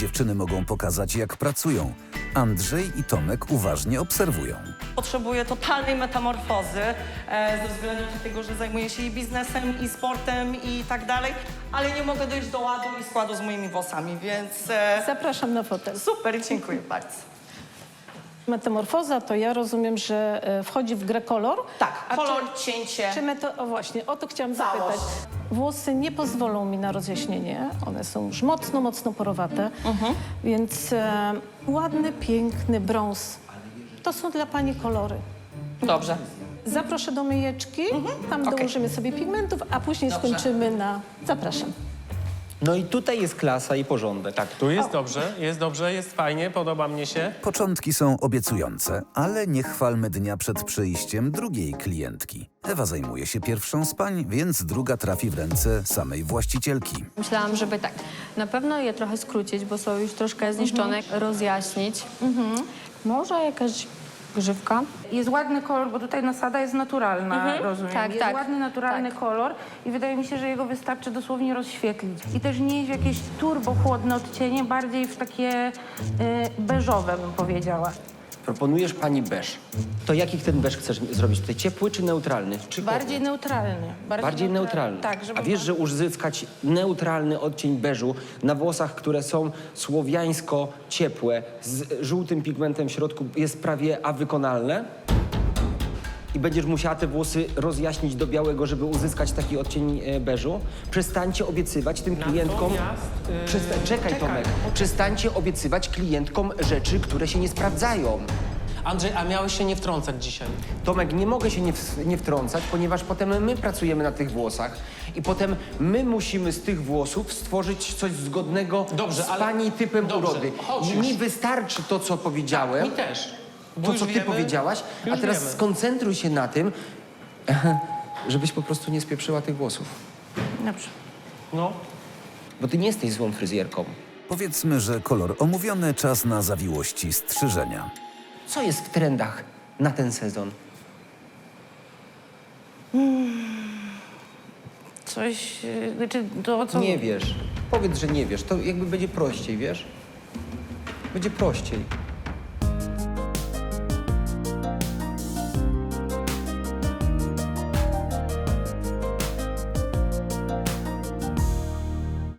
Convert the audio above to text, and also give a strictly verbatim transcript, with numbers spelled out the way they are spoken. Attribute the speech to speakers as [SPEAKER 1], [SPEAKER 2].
[SPEAKER 1] dziewczyny mogą pokazać, jak pracują. Andrzej i Tomek uważnie obserwują.
[SPEAKER 2] Potrzebuję totalnej metamorfozy e, ze względu na tego, że zajmuję się i biznesem, i sportem, i tak dalej, ale nie mogę dojść do ładu i składu z moimi włosami, więc e,
[SPEAKER 3] Zapraszam na fotel.
[SPEAKER 2] super, dziękuję bardzo.
[SPEAKER 3] Metamorfoza to ja rozumiem, że e, wchodzi w grę kolor.
[SPEAKER 2] Tak,
[SPEAKER 3] A
[SPEAKER 2] kolor,
[SPEAKER 3] czy,
[SPEAKER 2] cięcie.
[SPEAKER 3] Czy meto... O właśnie, o to chciałam
[SPEAKER 2] Całość.
[SPEAKER 3] zapytać. Włosy nie pozwolą mi na rozjaśnienie. One są już mocno, mocno porowate. Więc e, ładny, piękny brąz. To są dla pani kolory.
[SPEAKER 2] Dobrze.
[SPEAKER 3] Zaproszę do myjeczki. Tam
[SPEAKER 2] Okej.
[SPEAKER 3] dołożymy sobie pigmentów, a później
[SPEAKER 2] Dobrze.
[SPEAKER 3] skończymy na... Zapraszam.
[SPEAKER 4] No i tutaj jest klasa i porządek.
[SPEAKER 5] Tak, tu jest dobrze, jest dobrze, jest fajnie, podoba mnie się.
[SPEAKER 1] Początki są obiecujące, ale nie chwalmy dnia przed przyjściem drugiej klientki. Ewa zajmuje się pierwszą z pań, więc druga trafi w ręce samej właścicielki.
[SPEAKER 6] Myślałam, żeby tak na pewno je trochę skrócić, bo są już troszkę zniszczone, rozjaśnić. Może jakaś grzywka.
[SPEAKER 7] Jest ładny kolor, bo tutaj nasada jest naturalna, rozumiem.
[SPEAKER 6] Tak,
[SPEAKER 7] jest
[SPEAKER 6] tak,
[SPEAKER 7] ładny, naturalny
[SPEAKER 6] tak.
[SPEAKER 7] kolor i wydaje mi się, że jego wystarczy dosłownie rozświetlić. I też nie jest jakieś turbo chłodne odcienie, bardziej w takie y, beżowe, bym powiedziała.
[SPEAKER 4] Proponujesz pani beż. To jaki ten beż chcesz zrobić tutaj? Ciepły czy neutralny? Czy
[SPEAKER 7] Bardziej neutralny.
[SPEAKER 4] Bardziej neutralny.
[SPEAKER 7] Tak, żeby
[SPEAKER 4] A wiesz, że uzyskać neutralny odcień beżu na włosach, które są słowiańsko ciepłe, z żółtym pigmentem w środku, jest prawie a wykonalne? I będziesz musiała te włosy rozjaśnić do białego, żeby uzyskać taki odcień e, beżu? Przestańcie obiecywać tym klientkom...
[SPEAKER 5] Natomiast, yy,
[SPEAKER 4] Przesta- czekaj,
[SPEAKER 5] czekaj.
[SPEAKER 4] Tomek. Przestańcie obiecywać klientkom rzeczy, które się nie sprawdzają.
[SPEAKER 5] Andrzej, a miałeś się nie wtrącać dzisiaj.
[SPEAKER 4] Tomek, nie mogę się nie, w, nie wtrącać, ponieważ potem my pracujemy na tych włosach i potem my musimy z tych włosów stworzyć coś zgodnego
[SPEAKER 5] Dobrze,
[SPEAKER 4] z
[SPEAKER 5] ale-
[SPEAKER 4] pani typem
[SPEAKER 5] dobrze,
[SPEAKER 4] urody.
[SPEAKER 5] chodź
[SPEAKER 4] I
[SPEAKER 5] już.
[SPEAKER 4] mi wystarczy to, co powiedziałem,
[SPEAKER 5] Mi też. Bo
[SPEAKER 4] to,
[SPEAKER 5] już
[SPEAKER 4] co ty
[SPEAKER 5] wiemy-
[SPEAKER 4] powiedziałaś, a
[SPEAKER 5] już
[SPEAKER 4] teraz
[SPEAKER 5] wiemy.
[SPEAKER 4] skoncentruj się na tym, żebyś po prostu nie spieprzyła tych włosów.
[SPEAKER 7] Dobrze.
[SPEAKER 5] No.
[SPEAKER 4] Bo ty nie jesteś złą fryzjerką.
[SPEAKER 1] Powiedzmy, że kolor omówiony, czas na zawiłości strzyżenia.
[SPEAKER 4] Co jest w trendach na ten sezon?
[SPEAKER 7] Coś, y, znaczy to co...
[SPEAKER 4] Nie wiesz. Powiedz, że nie wiesz. To jakby będzie prościej, wiesz? Będzie prościej.